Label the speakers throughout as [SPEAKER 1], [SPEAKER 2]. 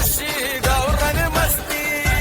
[SPEAKER 1] अशी गावरान मस्ती.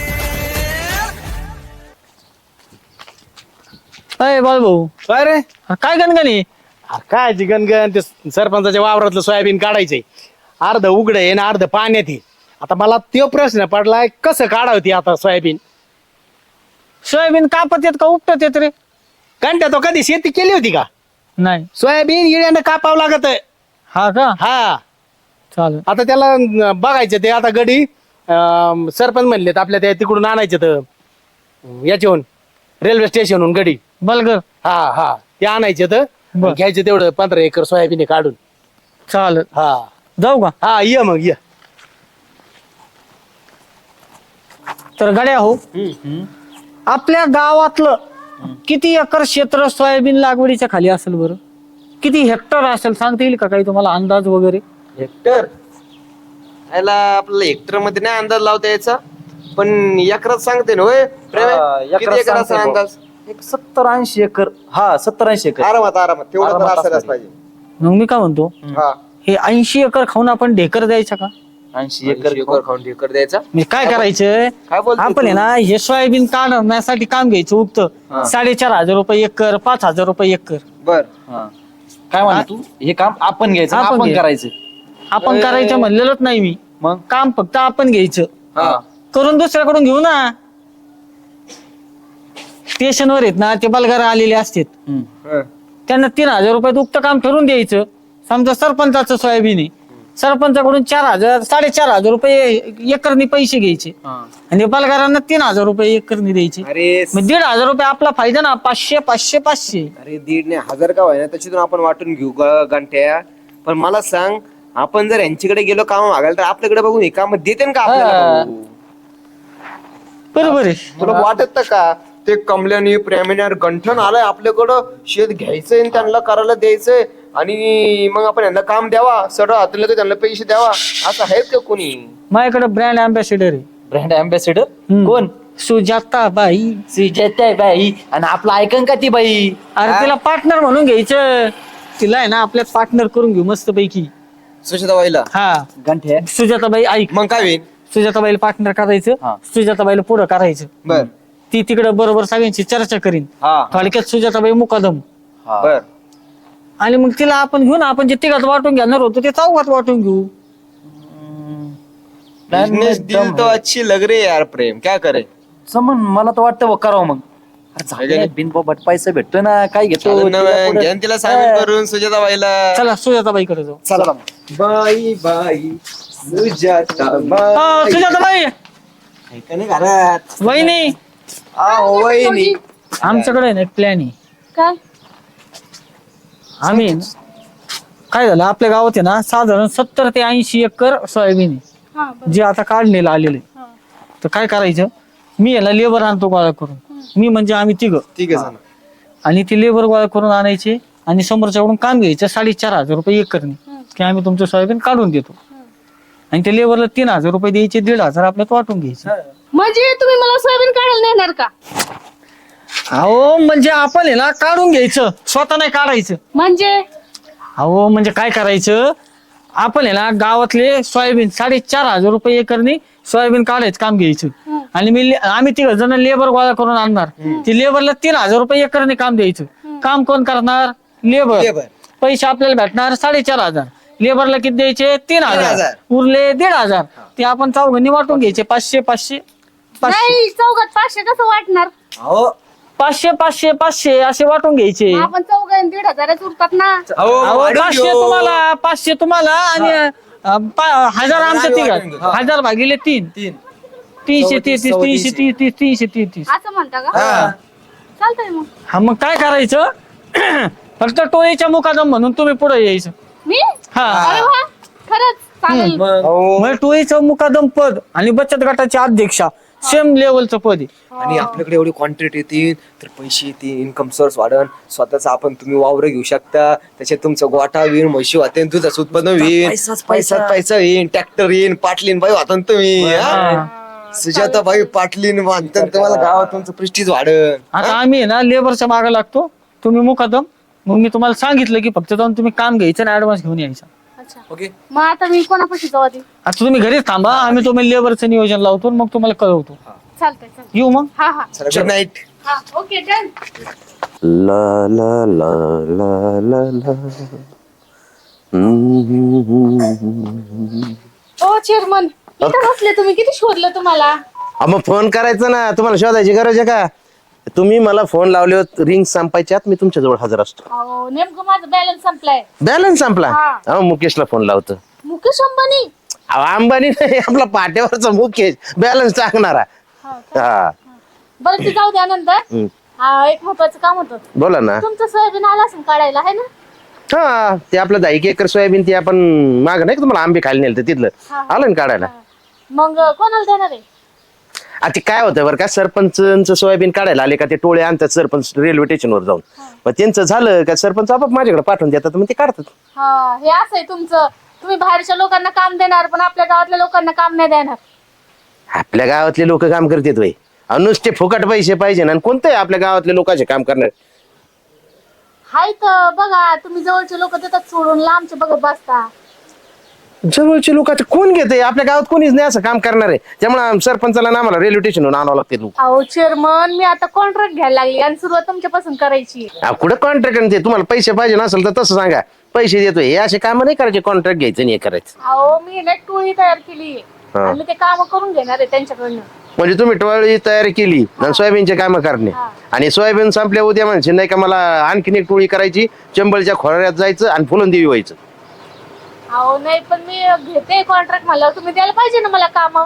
[SPEAKER 2] अय बाळभाऊ,
[SPEAKER 3] काय रे
[SPEAKER 2] काय गणगणी?
[SPEAKER 3] काय गणगण ते सरपंचाच्या वावरातलं सोयाबीन काढायचंय. अर्ध उघड आहे ना अर्ध पाण्यात आहे. आता मला तो प्रश्न पडलाय कसं काढावती आता सोयाबीन.
[SPEAKER 2] सोयाबीन कापत येत का उपटत येत रे?
[SPEAKER 3] कंट्या तो कधी शेती केली होती का?
[SPEAKER 2] नाही.
[SPEAKER 3] सोयाबीन इळ्यानं कापावं लागत.
[SPEAKER 2] हा का?
[SPEAKER 3] हा
[SPEAKER 2] चालेल.
[SPEAKER 3] आता त्याला बघायचं ते आता गडी सरपंच म्हणलेत आपल्या त्या तिकडून आणायचे तर याच्याहून रेल्वे स्टेशनहून गडी.
[SPEAKER 2] बलगर.
[SPEAKER 3] हा हा ते आणायचे तर
[SPEAKER 2] बर.
[SPEAKER 3] घ्यायचे तेवढं 15 एकर सोयाबीन आहे काढून.
[SPEAKER 2] चालेल.
[SPEAKER 3] हा
[SPEAKER 2] जाऊ का?
[SPEAKER 3] हा ये मग ये.
[SPEAKER 2] तर गड्या हो, आपल्या गावातलं किती एकर क्षेत्र सोयाबीन लागवडीच्या खाली असेल बरं? किती हेक्टर असेल सांगता येईल का काही तुम्हाला अंदाज वगैरे?
[SPEAKER 4] हेक्टर याला आपल्याला हेक्टर मध्ये नाही अंदाज लावता यायचा, पण एकरात सांगते ना होय प्रेम? किती एकर असा अंदाज?
[SPEAKER 5] एक 70-80 एकर. हा 70-80 एकर.
[SPEAKER 4] आरामात आरामात तेवढं तर
[SPEAKER 5] आरामात
[SPEAKER 4] असायलाच
[SPEAKER 5] असावी.
[SPEAKER 4] पाहिजे.
[SPEAKER 2] मग मी काय म्हणतो,
[SPEAKER 4] हा
[SPEAKER 2] हे 80 एकर खाऊन आपण ढेकर द्यायचा का?
[SPEAKER 5] 80 एकर
[SPEAKER 4] एकर खाऊन ढेकर द्यायचा.
[SPEAKER 2] मी काय करायचं,
[SPEAKER 4] काय बोलतोय
[SPEAKER 2] आपण आहे
[SPEAKER 4] तू?
[SPEAKER 2] ना हे सोयाबीन काढण्यासाठी काम घ्यायचं उगत 4,500 रुपये एकर, 5,000 रुपये एकर.
[SPEAKER 4] बर
[SPEAKER 5] हा. काय म्हणतो तू? हे काम आपण घ्यायचं,
[SPEAKER 2] आपण
[SPEAKER 5] आपण
[SPEAKER 2] घ्यायचं.
[SPEAKER 5] करायचं.
[SPEAKER 2] आपण करायचं म्हणलेलंच नाही मी.
[SPEAKER 5] मग
[SPEAKER 2] काम फक्त आपण घ्यायचं,
[SPEAKER 4] हा
[SPEAKER 2] करून दुसऱ्याकडून घेऊ ना. स्टेशनवर आहेत ना ते बलगार आलेले असतात,
[SPEAKER 5] हम्म.
[SPEAKER 2] त्यांना 3,000 रुपयात उक्त काम ठरवून द्यायचं. समजा सरपंचाचं सोयाबीन आहे, सरपंचाकडून 4,000 4,500 रुपये एकरनी पैसे घ्यायचे
[SPEAKER 5] हा.
[SPEAKER 2] आणि बलगारांना 3,000 रुपये एकरनी द्यायचे.
[SPEAKER 4] अरे
[SPEAKER 2] मग 1,500 रुपये आपला फायदा ना. 500 500 500.
[SPEAKER 4] अरे 1.5 नाही 1000 का व्हायना त्याच्यातून आपण वाटून घेऊ गंठ्या. पण मला सांग, आपण जर यांच्याकडे गेलो काम मागायला तर आपल्याकडे बघून हे काम देते का आपल्याला? भाऊ?
[SPEAKER 2] बरोबर आहे.
[SPEAKER 4] तुला वाटत का ते कमल्याने प्रेमीने गंठन आलंय आपल्याकडं, शेत घ्यायचंय आणि त्यांना करायला द्यायचंय आणि मग आपण यांना काम द्यावा, सडा हातले तर त्यांना पैसे द्यावा, असं आहेत का कोणी?
[SPEAKER 2] माझ्याकडे ब्रँड अँबॅसेडर आहे.
[SPEAKER 5] Brand ambassador
[SPEAKER 2] hmm.
[SPEAKER 5] कोण?
[SPEAKER 2] सुजाता बाई.
[SPEAKER 5] सुजाता बाई. आणि आपलं ऐकन का ती बाई?
[SPEAKER 2] अरे तिला पार्टनर म्हणून घ्यायचं. तिला आहे ना आपल्यात पार्टनर करून घेऊ मस्त पैकी.
[SPEAKER 4] सुशेताबाईला
[SPEAKER 2] हा
[SPEAKER 5] गंठ्या.
[SPEAKER 2] सुजाताबाई ऐक,
[SPEAKER 4] मग काय होईल?
[SPEAKER 2] सुजाताबाईला पार्टनर करायचं,
[SPEAKER 5] हा.
[SPEAKER 2] सुजाताबाईला पुढं करायचं.
[SPEAKER 4] बर
[SPEAKER 2] ती तिकडे बरोबर सगळ्यांची चर्चा करीन.
[SPEAKER 4] हा
[SPEAKER 2] थोडक्यात सुजाताबाई मुकादम.
[SPEAKER 5] हा.
[SPEAKER 4] बर.
[SPEAKER 2] आणि मग तिला आपण घेऊन आपण जे तिघात वाटून घेणार होतो ते चौघात वाटून घेऊ.
[SPEAKER 4] बिजनेस डील तो अच्छी लग रही है यार प्रेम, क्या करे?
[SPEAKER 5] समन मला तर वाटतं बघ करावं मग. अरे झालं बिनबोबट पैसा भेटतो ना, काय घेतो
[SPEAKER 4] चालेल ना
[SPEAKER 5] तिला
[SPEAKER 4] मग,
[SPEAKER 5] पुढं.
[SPEAKER 4] घ्या तिला सामील करून सुजाताबाईला.
[SPEAKER 2] चला सुजाताबाईकडे जाऊ.
[SPEAKER 5] चला मग.
[SPEAKER 4] बाई बाई सुजाताबाई.
[SPEAKER 2] सुजाताबाई
[SPEAKER 4] ऐका घरात
[SPEAKER 2] वहिनी,
[SPEAKER 4] आओ वहिनी.
[SPEAKER 2] आमच्याकडे ना एक प्लॅन आहे.
[SPEAKER 6] काय?
[SPEAKER 2] आम्ही काय झालं आपल्या गावात आहे ना साधारण 70 ते 80 एकर सोयाबीन आहे
[SPEAKER 6] हा बरं.
[SPEAKER 2] जे आता काढलेलं आलेलं आहे.
[SPEAKER 6] हा.
[SPEAKER 2] तर काय करायचं, मी याला लेबर आणतो गोळा करून. मी म्हणजे आम्ही तिघ,
[SPEAKER 4] ठीक आहे जण.
[SPEAKER 2] आणि ती लेबर गोळा करून आणायचे आणि समोरच्याकडून काम घ्यायचं 4,500 रुपये एकरनी, की आम्ही तुमचं सोयाबीन काढून देतो. आणि त्या लेबरला 3,000 रुपये द्यायचे, 1,500 आपल्यात वाटून घ्यायचे.
[SPEAKER 6] म्हणजे तुम्ही मला सोयाबीन काढायला नेणार का?
[SPEAKER 2] अहो म्हणजे आपण आहे ना काढून घ्यायचं, स्वतः नाही काढायचं.
[SPEAKER 6] म्हणजे
[SPEAKER 2] अहो म्हणजे काय करायचं, आपण आहे ना गावातले सोयाबीन 4,500 रुपये एकरनी सोयाबीन काढायचं काम घ्यायचं. आणि आम्ही 3 जण लेबर गोळा करून आणणार. ती लेबरला 3,000 रुपये एकरनी काम द्यायचं. काम कोण करणार? लेबर. पैसे आपल्याला भेटणार 4,500. लेबरला किती द्यायचे? 3,000. उरले 1,500. ते आपण चौघांनी वाटून घ्यायचे. 500 500 500
[SPEAKER 6] नाही, चौघात 500 कसं वाटणार?
[SPEAKER 4] अहो
[SPEAKER 2] 500 500 500 असे वाटून घ्यायचे.
[SPEAKER 6] आपण चौघांनी 1,500 उरतात ना.
[SPEAKER 2] अहो, 500 तुम्हाला, 500 तुम्हाला आणि 1,000 आमच्या तिघात. 1,000 भागिले 3 330 330 330.
[SPEAKER 6] असं म्हणता का? चालतंय मग.
[SPEAKER 2] हा मग काय करायचं, फक्त टोळीच्या मुकादम म्हणून तुम्ही पुढे यायचं.
[SPEAKER 6] मी?
[SPEAKER 2] हा.
[SPEAKER 6] अरे वा, खरंच चालेल.
[SPEAKER 2] म्हणजे टोळीचं मुकादम पद आणि बचत गटाचे अध्यक्षा सेम लेवलचं पद आहे.
[SPEAKER 4] आणि आपल्याकडे एवढी क्वांटिटी येतील तर पैसे येतील, इन्कम सोर्स वाढन, स्वतःच आपण तुम्ही वावर घेऊ शकता, त्याच्यात तुमचं गोठा होईल, म्हशी वाटेन, दुधाचं उत्पन्न होईल, पैसा येईल, ट्रॅक्टर येईल, पाटलीन बाई वाटन तुम्ही. सुजाता बाई पाटलीन वाटन तुम्हाला गावात तुमचं प्रेस्टीज वाढन.
[SPEAKER 2] आता आम्ही आहे ना लेबरच्या मागे लागतो, तुम्ही मुकादम. मग मी तुम्हाला सांगितलं की फक्त जाऊन तुम्ही काम घ्यायचं आणि ऍडव्हान्स घेऊन यायचा.
[SPEAKER 6] अच्छा
[SPEAKER 4] ओके
[SPEAKER 6] मग आता मी कोणापाशी जाऊ आधी?
[SPEAKER 2] आता तुम्ही घरीच थांबा, आम्ही तुम्ही लेबरचं नियोजन लावतो आणि मग तुम्हाला कळवतो.
[SPEAKER 6] चालतंय चालतंय.
[SPEAKER 2] येऊ मग.
[SPEAKER 6] हा हा
[SPEAKER 4] चला गुड नाईट.
[SPEAKER 6] हा ओके डन.
[SPEAKER 7] ला ला ला ला ला ला.
[SPEAKER 6] ओ चेअरमन इथं बसले तुम्ही, किती शोधलं तुम्हाला?
[SPEAKER 7] मग फोन करायचा ना, तुम्हाला शोधायची गरज आहे का? तुम्ही मला फोन लावले रिंग संपायच्यात मी तुमच्या जवळ हजर असतो.
[SPEAKER 6] अहो नेमकं माझा बॅलन्स संपलाय.
[SPEAKER 7] बॅलन्स संपला?
[SPEAKER 6] हा.
[SPEAKER 7] मुकेशला फोन लावतो.
[SPEAKER 6] मुकेश अंबानी?
[SPEAKER 7] अंबानी नाही, आपला पाट्यावरचा मुकेश बॅलन्स टाकणारा.
[SPEAKER 6] हा का?
[SPEAKER 7] हा
[SPEAKER 6] बरं ते जाऊ द्या नंतर.
[SPEAKER 7] हम्म.
[SPEAKER 6] हा एक महत्वाचं काम होतं.
[SPEAKER 7] बोला ना.
[SPEAKER 6] तुमचं सोयाबीन आला असेल काढायला आहे ना?
[SPEAKER 7] हा ते आपलं 10 एकर सोयाबीन ते आपण माग नाही का तुम्हाला आंबे खायला नेलं तिथलं
[SPEAKER 6] हा.
[SPEAKER 7] आलं ना काढायला.
[SPEAKER 6] मग कोणाला देणार आहे?
[SPEAKER 7] आता काय होतं बरं का, सरपंच सोयाबीन काढायला आले का ते टोळे आणतात सरपंच रेल्वे स्टेशनवर जाऊन. मग त्यांचं झालं का सरपंच आपाप माझ्याकडे पाठवून देतात, मग ते काढतात.
[SPEAKER 6] हा हे असं आहे तुमचं. तुम्ही बाहेरच्या लोकांना काम देणार पण आपल्या गावातल्या लोकांना काम नाही देणार.
[SPEAKER 7] आपल्या गावातले लोक काम करतात वय, नुसते फुकट पैसे पाहिजे ना, आणि कोणते आपल्या गावातले लोकांचे काम करणार?
[SPEAKER 6] हाय तर बघा, तुम्ही जवळचे लोक देतात सोडून लांबचे बघत बसता.
[SPEAKER 7] जवळचे लोक आता कोण घेते? आपल्या गावात कोणीच नाही असं काम करणार आहे, त्यामुळे सरपंचाला ना आम्हाला रेल्वे स्टेशनवरून आणावं लागते लोक.
[SPEAKER 6] अहो चेअरमन मी आता कॉन्ट्रॅक्ट घ्यायला लागली आणि सुरुवात तुमच्यापासून करायची.
[SPEAKER 7] कुठं कॉन्ट्रॅक्ट ते? तुम्हाला पैसे पाहिजे नसेल तर तसं सांगा, पैसे देतोय. हे असे काम नाही करायचे, कॉन्ट्रॅक्ट घ्यायचं नाही हे करायचं.
[SPEAKER 6] अहो मी ना टोळी तयार केली
[SPEAKER 7] हा.
[SPEAKER 6] आणि मी ते काम करून घेणार आहे त्यांच्याकडनं.
[SPEAKER 7] म्हणजे तुम्ही टोळी तयार केली आणि सोयाबीनचे काम करणे,
[SPEAKER 6] हा.
[SPEAKER 7] आणि सोयाबीन संपल्या उद्या म्हणजे नाही का मला आणखीन एक टोळी करायची, चंबळच्या खोऱ्यात जायचं आणि फुलं देवी व्हायचं.
[SPEAKER 6] अहो नाही पण मी घेते कॉन्ट्रॅक्ट मला, तुम्ही द्यायला पाहिजे ना मला काम.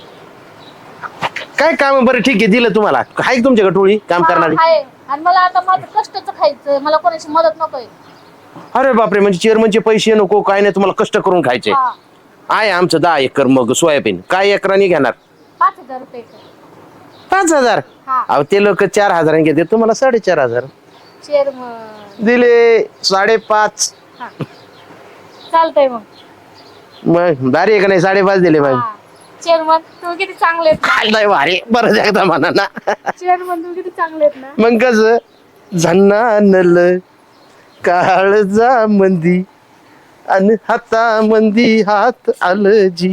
[SPEAKER 7] काय काम? बरं ठीक आहे, दिलं तुम्हाला. आहे तुमच्याकडे टोळी काम करणारी?
[SPEAKER 6] आहे आणि मला आता माझं कष्टाचं खायचं, मला कोणाची मदत नकोय.
[SPEAKER 7] अरे बापरे, म्हणजे चेअरमनचे पैसे नको काय नाही, तुम्हाला कष्ट करून खायचे.
[SPEAKER 6] हा.
[SPEAKER 7] आहे आमचं 10 एकर मग सोयाबीन. काय एकराने घेणार?
[SPEAKER 6] 5,000 रुपये.
[SPEAKER 7] 5,000?
[SPEAKER 6] हा.
[SPEAKER 7] अहो ते लोक 4,000 घेते, तुम्हाला 4,500
[SPEAKER 6] चेअरमन
[SPEAKER 7] दिले. 5.5.
[SPEAKER 6] हा चालतंय मग.
[SPEAKER 7] मग भारी आहे का नाही? 5.5 दिले मग.
[SPEAKER 6] हा. चेअरमन तुम्ही किती चांगले आहेत.
[SPEAKER 7] काय नाही भारी, बरं एकदा म्हणा ना.
[SPEAKER 6] चेअरमन तुम्ही किती चांगले आहेत ना.
[SPEAKER 7] मग कस झन्नानल काळजा मंदी आणि हाता मंदी हात आलं जी.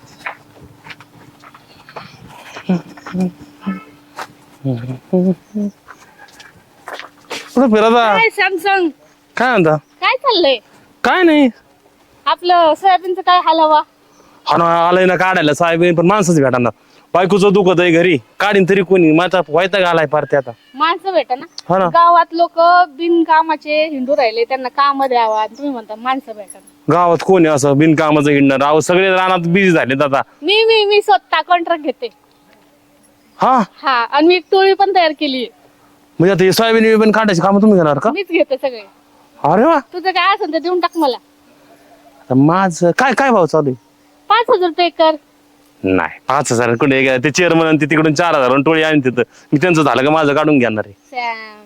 [SPEAKER 2] कुठं फिरता?
[SPEAKER 6] काय सॅमसंग
[SPEAKER 2] काय म्हणता?
[SPEAKER 6] काय चाललंय?
[SPEAKER 2] काय नाही.
[SPEAKER 6] आपलं सोयाबीनचं काय हलवा?
[SPEAKER 2] हा ना, आलंय ना काढायला सोयाबीन, पण माणसंच भेटणार. बायकोचं दुखत आहे घरी, काढीन तरी कोणी? माझा व्हायचा घालाय पारते आता.
[SPEAKER 6] माणसं भेटा
[SPEAKER 2] हा
[SPEAKER 6] ना.
[SPEAKER 2] ना.
[SPEAKER 6] गावात लोक बिनकामाचे हिंडू राहिले, त्यांना काम द्यावा आणि तुम्ही म्हणता माणसं भेटा ना.
[SPEAKER 2] गावात कोणी असं बिनकामाचं हिंडणार? अहो सगळे रानात बिझी झालेत आता.
[SPEAKER 6] मी स्वतः कॉन्ट्रॅक्ट घेते.
[SPEAKER 2] हा
[SPEAKER 6] हा आणि मी एक टोळी पण तयार केली.
[SPEAKER 2] म्हणजे आता हे सोयाबीन बिबीन काढायची काम तुम्ही घेणार का?
[SPEAKER 6] मीच घेते सगळे.
[SPEAKER 2] अरे वा.
[SPEAKER 6] तुझं काय असेल तर देऊन टाक मला.
[SPEAKER 2] आता माझं काय काय भाव चालू आहे?
[SPEAKER 6] 5,000 रुपये कर.
[SPEAKER 2] नाही 5,000 कुठे गेला? ते चेअरमन ते तिकडून 4,000 टोळी आणि तिथं मी त्यांचं झालं का माझं काढून घेणार आहे.
[SPEAKER 6] सॅम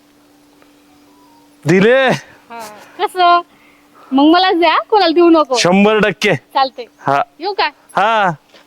[SPEAKER 2] दिले
[SPEAKER 6] हा कसं मग मला द्या, कोणाला देऊ नको.
[SPEAKER 2] 100%.
[SPEAKER 6] चालते.
[SPEAKER 2] हा
[SPEAKER 6] येऊ का?
[SPEAKER 2] हा.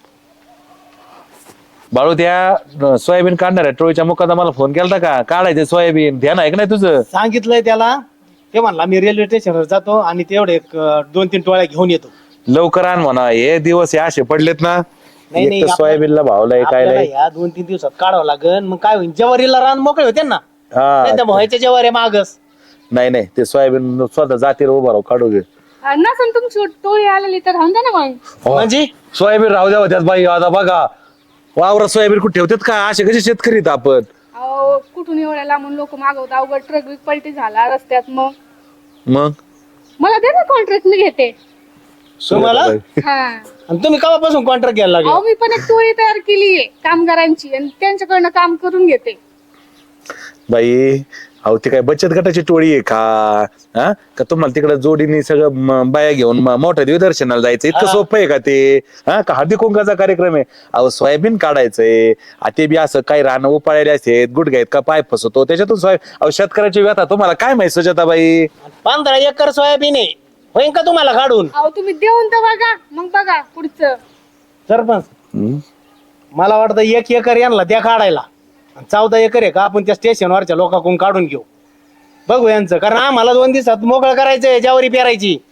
[SPEAKER 5] बाळू त्या सोयाबीन काढणार आहे टोळीच्या मुखात मला फोन केला का? काढायचे सोयाबीन, ध्यान आहे का नाही तुझं?
[SPEAKER 3] सांगितलंय त्याला, ते म्हणला मी रेल्वे स्टेशनवर जातो आणि तेवढे 2-3 टोळ्या घेऊन येतो.
[SPEAKER 5] लवकर आण म्हणा, हे दिवस हे असे पडलेत ना.
[SPEAKER 3] नाही,
[SPEAKER 5] एक तर
[SPEAKER 3] आपलं-
[SPEAKER 5] सोयाबीनला भावलाय काय
[SPEAKER 3] आपल्याला
[SPEAKER 5] नाही.
[SPEAKER 3] या 2-3 दिवसात काढावं लागेल. मग काय होईल, जवारीला रान मोकळे होते ना, नाही तर
[SPEAKER 5] हा
[SPEAKER 3] व्हायच्या जवारी मागस.
[SPEAKER 5] नाही नाही, ते सोयाबीन स्वतः जातीवर उभा राहू काढू घे.
[SPEAKER 6] नसन तुमची टोळी आलेली तर राहून द्या ना मग.
[SPEAKER 3] म्हणजे
[SPEAKER 5] सोयाबीन राहू द्या होत्यात बाई. आता बघा वावरात सोयाबीन कुठे ठेवतात का? असे कसे शेतकरी आहेत आपण?
[SPEAKER 6] अहो कुठून एवढ्या लांबून लोक मागवतात, अवघड ट्रक बिक पलटी झाला रस्त्यात. मग
[SPEAKER 5] मग
[SPEAKER 6] मला दे ना कॉन्ट्रॅक्ट, मी घेते.
[SPEAKER 3] तुम्हाला
[SPEAKER 6] हा
[SPEAKER 3] आणि तुम्ही केव्हापासून कॉन्ट्रॅक्ट घ्यायला लागले?
[SPEAKER 6] अहो मी पण एक टोळी तयार केली आहे कामगारांची आणि त्यांच्याकडनं काम करून घेते.
[SPEAKER 5] बाई अहो ती काय बचत गटाची टोळी आहे का? हा का तुम्हाला तिकडे जोडीने सगळं बाया घेऊन मोठ्या देवदर्शनाला जायचं इतकं सोपं आहे का ते? हा का हळदी कुंकाचा कार्यक्रम आहे? अहो सोयाबीन काढायचंय, ते बी असं काही रानं उपाळलेले आहेत, गुडघे आहेत का पाय फसवतो त्याच्यातून अहो शेतकऱ्याची व्यथा तुम्हाला काय माहिती सुजाताबाई?
[SPEAKER 3] 15 एकर सोयाबीन आहे, होईन का तुम्हाला काढून?
[SPEAKER 6] अहो तुम्ही देऊन तर बघा, मग बघा पुढचं.
[SPEAKER 3] सरपंच
[SPEAKER 5] हम्म?
[SPEAKER 3] मला वाटतं 1 एकर यांना त्या काढायला, 14 एकर आहे का आपण त्या स्टेशनवरच्या लोकांकडून काढून घेऊ. बघू यांचं, कारण आम्हाला 2 दिवसात मोकळं करायचंय, ज्यावरी पेरायची.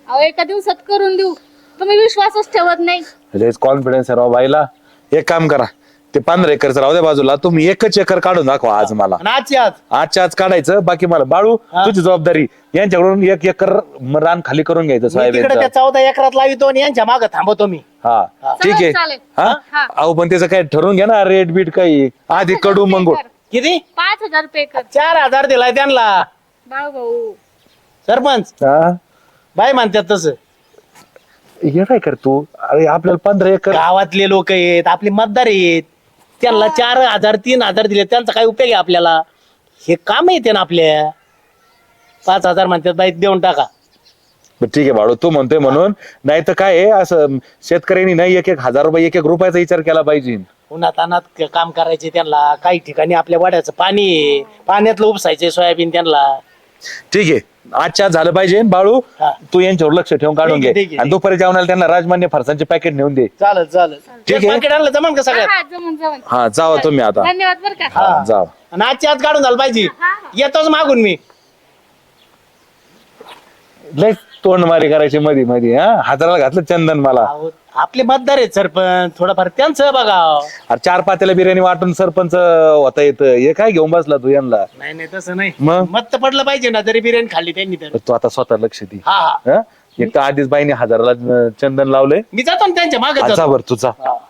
[SPEAKER 6] अहो एका दिवसात करून देऊ. तुम्ही विश्वासच ठेवत नाही.
[SPEAKER 5] लयच कॉन्फिडन्स आहे राव बाईला. एक काम करा, ते 15 एकरचं राहू द्या बाजूला, तुम्ही 1 एकर काढून दाखवा आज मला.
[SPEAKER 3] आणि आजची आज
[SPEAKER 5] आजच्या आज काढायचं, बाकी मला बाळू तुझी जबाबदारी. यांच्याकडून 1 एकर रान खाली करून घ्यायचं
[SPEAKER 3] मी तिकडे
[SPEAKER 5] सोयाबीनचं.
[SPEAKER 3] त्या 14 एकरात लावितो आणि यांच्या मागे थांबवतो मी.
[SPEAKER 5] हा ठीक आहे.
[SPEAKER 6] चालेल.
[SPEAKER 5] हा
[SPEAKER 6] हा.
[SPEAKER 5] अहो पण त्याचं काय ठरवून घ्या ना, रेट बीट काही आधी कडू मंगू.
[SPEAKER 3] किती
[SPEAKER 6] 5,000 रुपये कर
[SPEAKER 3] 4,000 दिलाय त्यांना
[SPEAKER 6] बाळू भाऊ.
[SPEAKER 3] सरपंच.
[SPEAKER 5] हा
[SPEAKER 3] बाई म्हणतात तसं.
[SPEAKER 5] हे काय कर तू, अरे आपल्याला 15 एकर.
[SPEAKER 3] गावातले लोक आहेत, आपले मतदार आहेत, त्यांना 4,000 3,000 दिले, त्यांचा काय उपयोग आहे आपल्याला? हे काम येते ना आपल्या. 5,000 म्हणतात बाई देऊन टाका.
[SPEAKER 5] बरं ठीक आहे बाळू, तू म्हणतोय म्हणून. नाही तर काय आहे, असं शेतकऱ्यांनी नाही 1-1 हजार रुपये 1-1 रुपयाचा विचार केला पाहिजे.
[SPEAKER 3] उन्हात अनात काम करायचे त्यांना. काही ठिकाणी आपल्या वाड्याचं पाणी आहे, पाण्यातलं उपसायचे सोयाबीन त्यांना.
[SPEAKER 5] ठीक आहे, आजच्या आज झालं पाहिजे. बाळू
[SPEAKER 3] हा.
[SPEAKER 5] तू यांच्यावर लक्ष ठेवून काढून
[SPEAKER 3] ठीक आहे,
[SPEAKER 5] घे.
[SPEAKER 3] ठीक आहे,
[SPEAKER 5] आणि दुपारी जेवणाला त्यांना राजमान्य फरसांचे पॅकेट नेऊन दे.
[SPEAKER 3] चालेल चालेल.
[SPEAKER 5] ठीक आहे.
[SPEAKER 3] पाकिट आणलं जमान का सगळ्यात?
[SPEAKER 6] हा जमून जमून.
[SPEAKER 5] हा जावा तुम्ही आता.
[SPEAKER 6] धन्यवाद बरं का.
[SPEAKER 5] हा, जावा.
[SPEAKER 3] आणि आजची आज काढून झालं पाहिजे.
[SPEAKER 6] हा.
[SPEAKER 3] येतोच मागून मी.
[SPEAKER 5] लय तोंडमारी करायची मध्ये मध्ये. हा हाताला घातलं चंदन मला.
[SPEAKER 3] अहो, आपले मतदार आहेत सरपंच, थोडंफार त्यांचं बघा.
[SPEAKER 5] अरे 4 पात्याला बिर्याणी वाटून सरपंच होता येतं. हे काय घेऊन बसला तू यांना?
[SPEAKER 3] नाही नाही तसं नाही.
[SPEAKER 5] मग?
[SPEAKER 3] मत तर पडलं पाहिजे ना, जरी बिर्याणी खाल्ली त्यांनी तर.
[SPEAKER 5] तू आता स्वतः लक्ष दे.
[SPEAKER 3] हा हा.
[SPEAKER 5] हा? एक तर आधीच बाईने 1000ला चंदन लावलंय.
[SPEAKER 3] मी जातो ना त्यांच्या मागे
[SPEAKER 5] आजा
[SPEAKER 3] जातो.
[SPEAKER 5] बर तुझा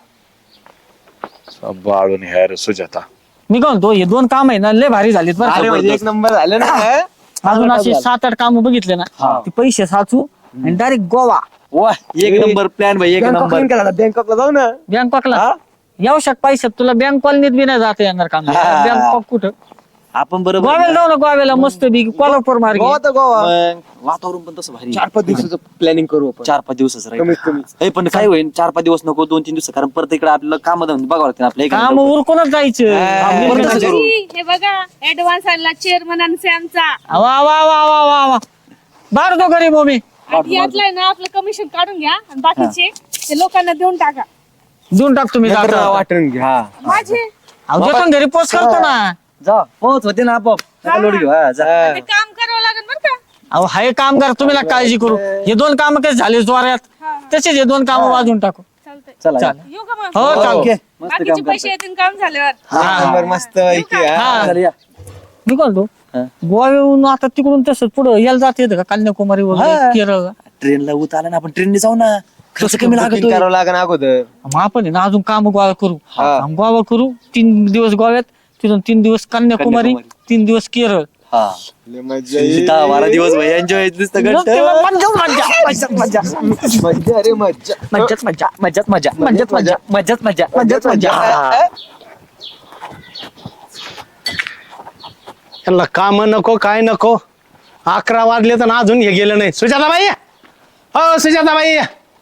[SPEAKER 5] बाळून ह्या सुजाता.
[SPEAKER 2] मी काय म्हणतो, हे 2 काम आहे ना लय भारी झालीत बरं
[SPEAKER 4] अरे
[SPEAKER 2] का.
[SPEAKER 4] म्हणजे 1 नंबर झालं ना.
[SPEAKER 2] अजून असे 7-8 काम बघितले ना, ते पैसे साचू आणि डायरेक्ट गोवा
[SPEAKER 4] वा 1 नंबर प्लॅन भाई. 1 नंबर. बँकॉकला जाऊ ना.
[SPEAKER 2] बँकॉकला. येऊ पैशात तुला बँक कॉलनीत बी नाही जाता येणार काम. बँकॉक कुठं?
[SPEAKER 4] आपण बरोबर
[SPEAKER 2] गोव्याला जाऊ ना, गोव्याला मस्त बी कोल्हापूर मार्गे.
[SPEAKER 8] वातावरण पण तसं भारी
[SPEAKER 4] 4-5 दिवसाचं प्लॅनिंग करू आपण.
[SPEAKER 8] 4-5 दिवसाचं
[SPEAKER 4] कमीत कमी.
[SPEAKER 8] राहील पण काय होईल 4-5 दिवस नको 2-3 दिवस, कारण परत इकडे आपल्याला काम बघावं लागतील आपल्या इकडे.
[SPEAKER 2] काम उरकूनच जायचं.
[SPEAKER 8] परत तसं करू.
[SPEAKER 6] हे बघा ऍडव्हान्स आणला चेअरमनांचे आमचा.
[SPEAKER 2] वा वा वा वा वा वा. बार दो गरीब हो मी.
[SPEAKER 6] आणि यातलं आहे ना आपलं कमिशन काढून घ्या आणि बाकीचे ते लोकांना देऊन टाका.
[SPEAKER 2] देऊन टाक तुम्ही.
[SPEAKER 4] नंतर
[SPEAKER 2] जाता.
[SPEAKER 4] वाटून घ्या.
[SPEAKER 6] माझे
[SPEAKER 2] अहो, देतो ना घरी पोच करतो ना.
[SPEAKER 8] जा पोहोच होते ना आपोआप. नका लोड घेऊ. हा, जा.
[SPEAKER 6] ते काम करावं लागेल बरं का.
[SPEAKER 2] अहो हाय काम कर, तुम्ही नका काळजी करू. हे 2 काम कसे झाले जोऱ्यात, तसेच हे 2 काम वाजून टाकू.
[SPEAKER 6] चालतंय.
[SPEAKER 8] चला या.
[SPEAKER 2] चालेल.
[SPEAKER 6] येऊ का मग?
[SPEAKER 2] हो चालते.
[SPEAKER 6] बाकीचे पैसे येतील काम झाल्यावर.
[SPEAKER 4] 1 नंबर मस्त पैकी.
[SPEAKER 2] हा.
[SPEAKER 8] चला या.
[SPEAKER 2] मी बोलतो गोव्याहून आता तिकडून तसंच पुढं यायला जात येतं का, कन्याकुमारी वगैरे केरळला?
[SPEAKER 8] ट्रेनला उत आला ना, आपण ट्रेनने जाऊ ना. खर्च कमी
[SPEAKER 4] Booking
[SPEAKER 8] लागतो.
[SPEAKER 4] करावं लागेल अगोदर.
[SPEAKER 2] मग आपण आहे ना अजून काम गोवा करू. गोवा करू 3 दिवस गोव्यात, तिथून 3 दिवस कन्याकुमारी, 3 दिवस केरळ.
[SPEAKER 8] हा 10-12 दिवस भाई एन्जॉय नुसतं
[SPEAKER 2] मग
[SPEAKER 8] घंट.
[SPEAKER 2] तेव्हा मज्जाच मज्जा, मज्जाच मज्जा,
[SPEAKER 4] मज्जा रे मज्जा.
[SPEAKER 2] मज्जाच मज्जा, मज्जाच मज्जा, मज्जाच मज्जा, मज्जाच मज्जा, मज्जाच मज्जा.
[SPEAKER 3] त्यांना काम नको काय नको. 11 वाजले तर अजून हे गेलं नाही. सुजाताबाई, हो सुजाताबाई,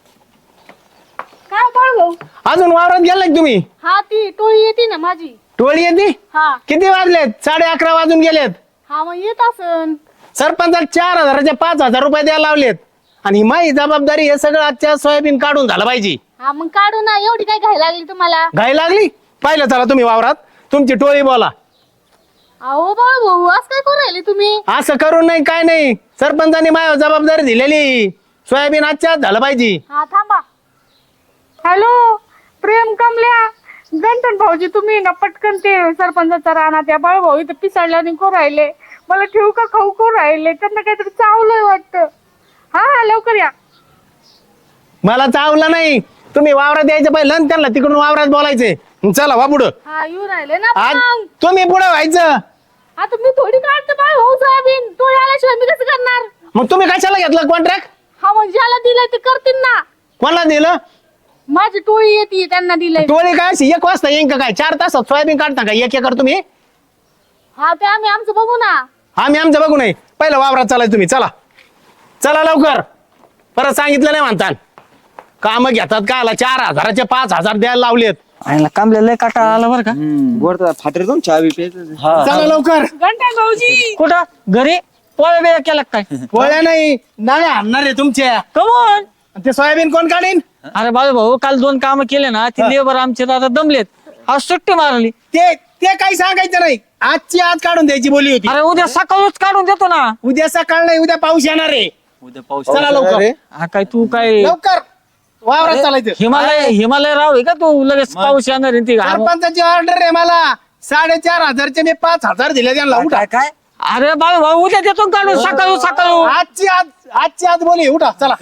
[SPEAKER 6] काय बाळू भाऊ?
[SPEAKER 3] अजून वावरात गेला का तुम्ही?
[SPEAKER 6] हा ती टोळी येते ना माझी.
[SPEAKER 3] टोळी येते.
[SPEAKER 6] हा
[SPEAKER 3] किती वाजलेत? 11:30 वाजून गेलेत.
[SPEAKER 6] हा मग येत असन.
[SPEAKER 3] सरपंचाला 4,000चे 5,000 रुपये द्यायला लावलेत. आणि ही माझी जबाबदारी हे सगळं आजच्या सोयाबीन काढून झालं पाहिजे.
[SPEAKER 6] हा मग काढू ना. एवढी काय घाई लागली तुम्हाला?
[SPEAKER 3] घाई लागली? पाहिलं चला तुम्ही वावरात. तुमची टोळी बोला.
[SPEAKER 6] अहो बाळू भाऊ असं काय करू राहिले तुम्ही?
[SPEAKER 3] असं करून नाही काय नाही. सरपंचाने माझ्या जबाबदारी दिलेली. सोयाबीन आजच्या आज झालं पाहिजे.
[SPEAKER 6] हा थांबा. हॅलो प्रेम कमल्या गंठन भाऊजी, तुम्ही ना पटकन ते सरपंचाचा राहणार त्या बाळू भाऊ इथं पिसाळल्या निघू राहिले. मला ठेवू का खाऊ को राहिले? त्यांना काहीतरी चावलंय वाटतं. हा हा लवकर या.
[SPEAKER 3] मला चावलं नाही. तुम्ही वावरात यायचं पाहिलं आणि त्यांना तिकडून वावरात बोलायचे. चला वा पुढं.
[SPEAKER 6] हा येऊ राहिले ना
[SPEAKER 3] आज
[SPEAKER 6] मग.
[SPEAKER 3] तुम्ही पुढे व्हायचं.
[SPEAKER 6] आता मी थोडी काढते बाळू भाऊ सोयाबीन. तो आल्याशिवाय मी कसं करणार?
[SPEAKER 3] मग तुम्ही कशाला घेतलं कॉन्ट्रॅक्ट?
[SPEAKER 6] हा मग ज्याला दिलंय ते करतील ना.
[SPEAKER 3] कोणाला दिलं?
[SPEAKER 6] माझी टोळी येते त्यांना दिलंय.
[SPEAKER 3] टोळी काय अशी 1 वाजता येईन का काय? 4 तासात सोयाबीन काढता का 1 एकर तुम्ही?
[SPEAKER 6] हा ते आम्ही आमचं बघू ना.
[SPEAKER 3] आम्ही आमचं बघू नाही. पहिलं वावरात चालाय तुम्ही. चला चला लवकर. परत सांगितलं नाही म्हणतात. काम घेतात का? 4,000चे 5,000 द्यायला लावलेत.
[SPEAKER 2] आणि कामले लय काटा आला बरं का.
[SPEAKER 4] गोड फाटर जाऊन चहा बी प्यायचं.
[SPEAKER 3] चला लवकर.
[SPEAKER 6] गंठन भाऊजी
[SPEAKER 2] कुठं घरी पोळ्या बिळ्या केला का काय?
[SPEAKER 3] पोळ्या नाही नाळे आणणार आहे तुमच्या.
[SPEAKER 2] कमोन.
[SPEAKER 3] ते सोयाबीन कोण काढीन?
[SPEAKER 2] अरे बाळू भाऊ काल 2 काम केले ना, ते लेबर आमचे आता दमलेत. आज सुट्टी मारली.
[SPEAKER 3] ते ते काही सांगायचं नाही. आजची आज काढून द्यायची बोली होती.
[SPEAKER 2] अरे उद्या सकाळच काढून देतो ना.
[SPEAKER 3] उद्या सकाळ नाही, उद्या पाऊस येणार आहे.
[SPEAKER 8] उद्या पाऊस
[SPEAKER 3] चला लवकर
[SPEAKER 2] हा काय तू काय
[SPEAKER 3] लवकर वावरात चालायचं.
[SPEAKER 2] हिमालय राव आहे का तू लगेच पाऊस येणार आहे ती
[SPEAKER 3] सरपंचाची ऑर्डर आहे मला 4,500 मी 5,000 दिले त्यांना उठा.
[SPEAKER 8] काय
[SPEAKER 2] अरे बाबा उद्या देतो काढून सकाळू
[SPEAKER 3] आजची आज बोली उठा चला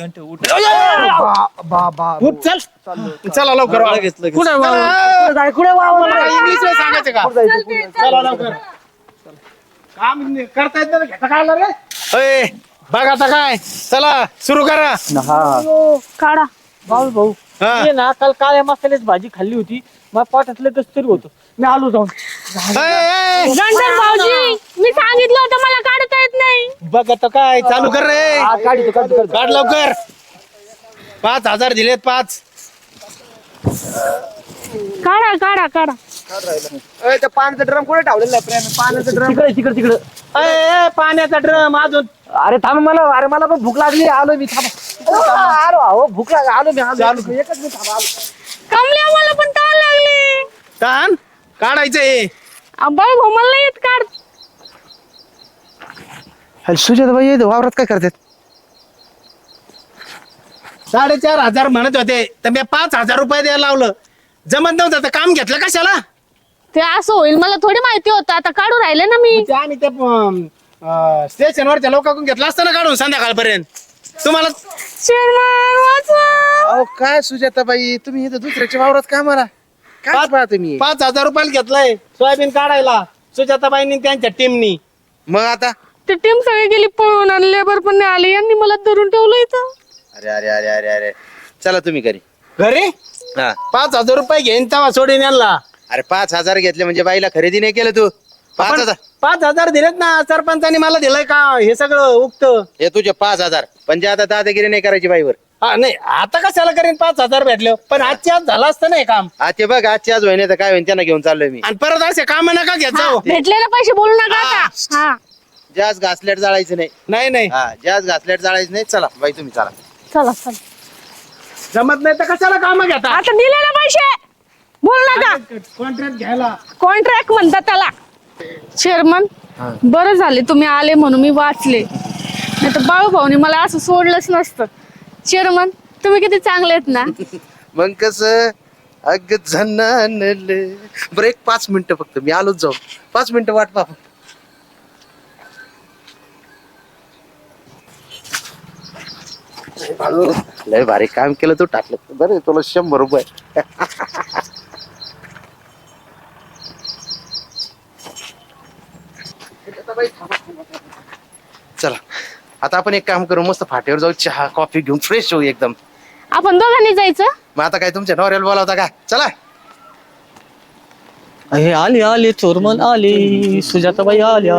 [SPEAKER 3] उठ चल चला लवकर
[SPEAKER 2] कुठे
[SPEAKER 3] इंग्लिश सांगायचं का चला लवकर काम करता येत घेता काय आलं रे अय, बघ आता काय चला सुरू करा
[SPEAKER 6] काढा
[SPEAKER 2] भाऊ
[SPEAKER 3] हा.
[SPEAKER 2] ये ना काल काळ्या मसाल्याची भाजी खाल्ली होती मग पोटातलं कस तरी होतं मी आलो जाऊन
[SPEAKER 6] गंठन भाऊजी मी सांगितलं होतं मला काढता येत नाही.
[SPEAKER 3] बघ आता काय चालू कर रे काढ लवकर 5,000 दिलेत 5.
[SPEAKER 6] काढा काढा काढा
[SPEAKER 4] पाण्याचा ड्रम कुठे ठेवलेला आहे प्रेम पाण्याचा ड्रम
[SPEAKER 8] तिकडे
[SPEAKER 3] पाण्याचा ड्रम अजून
[SPEAKER 8] अरे थांब मला पण भूक लागली आलो मी भूक लागली आलो मी
[SPEAKER 3] चालू
[SPEAKER 8] एकच मी थांबा
[SPEAKER 6] कमल्या मला पण ताण लागली.
[SPEAKER 3] ताण काढायचं हे
[SPEAKER 6] बाळ भाऊ मला नाही येत काढ.
[SPEAKER 7] सुजाताबाई वावरात काय करतात
[SPEAKER 3] 4,500 म्हणत होते तर मी 5,000 रुपये द्यायला लावलं जमत नव्हतं तर काम घेतलं कशाला
[SPEAKER 6] ते असं होईल मला थोडी माहिती होतं आता काढू राहिले ना मी.
[SPEAKER 3] ते आम्ही ते स्टेशनवरच्या लोकांकडून घेतलं असतं ना काढून संध्याकाळपर्यंत तुम्हाला
[SPEAKER 6] चेअरमन वाचवा.
[SPEAKER 7] अहो काय सुजाताबाई तुम्ही इथं दुसऱ्याच्या वावरात काय मला काय पाहता तुम्ही
[SPEAKER 3] 5,000 रुपयाला घेतलंय सोयाबीन काढायला सुजाताबाईंनी त्यांच्या टीमनी
[SPEAKER 7] मग आता
[SPEAKER 6] ती टीम सगळी गेली पळून आणि लेबर पण नाही आले यांनी मला धरून ठेवलं इथं.
[SPEAKER 7] अरे अरे अरे अरे अरे चला तुम्ही घरी
[SPEAKER 3] घरी
[SPEAKER 7] हा
[SPEAKER 3] 5,000 रुपये घेईन तेव्हा सोडीन यांना
[SPEAKER 7] अरे 5,000 घेतले म्हणजे बाईला खरेदी नाही केलं तू 5,000
[SPEAKER 3] 5,000 दिलेत ना सरपंचानी मला दिलंय का हे सगळं उक्त
[SPEAKER 7] हे तुझे 5,000 म्हणजे आता दादागिरी नाही करायची बाईवर
[SPEAKER 3] हा नाही आता कशाला करीन 5,000 भेटले पण आजची आज झालं असतं ना हे काम
[SPEAKER 7] हा ते बघ आजची आज होईन तर काय होईन त्यांना घेऊन चाललोय मी
[SPEAKER 3] आणि परत असे काम नका घेत जाऊ
[SPEAKER 6] भेटलेले पैसे बोलू नका आता. हा
[SPEAKER 7] जास्त घासलेट जाळायचं नाही
[SPEAKER 3] नाही नाही
[SPEAKER 7] हा जास्त घासलेट जाळायचं नाही चला बाई तुम्ही चला
[SPEAKER 6] चला चला
[SPEAKER 3] जमत नाही तर कशाला काम घेता
[SPEAKER 6] आता दिले ना पैसे बोलू नका.
[SPEAKER 3] कॉन्ट्रॅक्ट घ्यायला
[SPEAKER 6] कॉन्ट्रॅक्ट म्हणतात त्याला. चेअरमन बरं झाले तुम्ही आले म्हणून मी वाचले नाही तर बाळू भाऊनी मला असं सोडलंच नसतं. चेअरमन तुम्ही किती चांगले आहेत ना.
[SPEAKER 7] मग कस अग झनानले बरं 5 मिनिटं फक्त मी आलोच जाऊ 5 मिनिटं वाट पाहा लय भारी काम केलं तू टाकलं बरं तुला 100 रुपये चला आता आपण एक काम करू मस्त फाट्यावर जाऊ चहा कॉफी घेऊन फ्रेश होऊ एकदम
[SPEAKER 6] आपण दोघांनी जायचं.
[SPEAKER 7] मग आता काय तुमच्या नवऱ्याला बोलावता का चला
[SPEAKER 2] हे आली चोरमन आली सुजाताबाई आल्या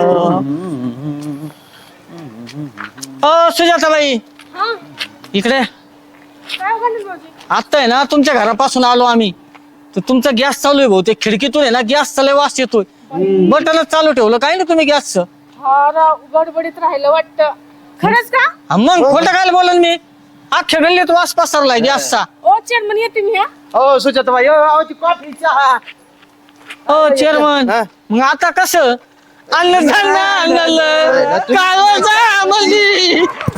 [SPEAKER 2] सुजाताबाई इकडे आता आहे ना तुमच्या घरापासून आलो आम्ही तर तुमचा गॅस चालू आहे बहुतेक खिडकीतून आहे ना गॅस चालू वास येतोय बटनच चालू ठेवलं काय ना तुम्ही गॅसचं
[SPEAKER 6] गडबडीत राहिलं वाटतं. खरंच का.
[SPEAKER 2] मग खोटं काय बोलन मी अख्ख्या गल्लीत वास पसरलाय गॅसचा.
[SPEAKER 6] ओ चेअरमन येते मी.
[SPEAKER 3] हो सुजाताबाई कॉफी चहा
[SPEAKER 2] हो चेअरमन मग आता कसं आणलं कालवचा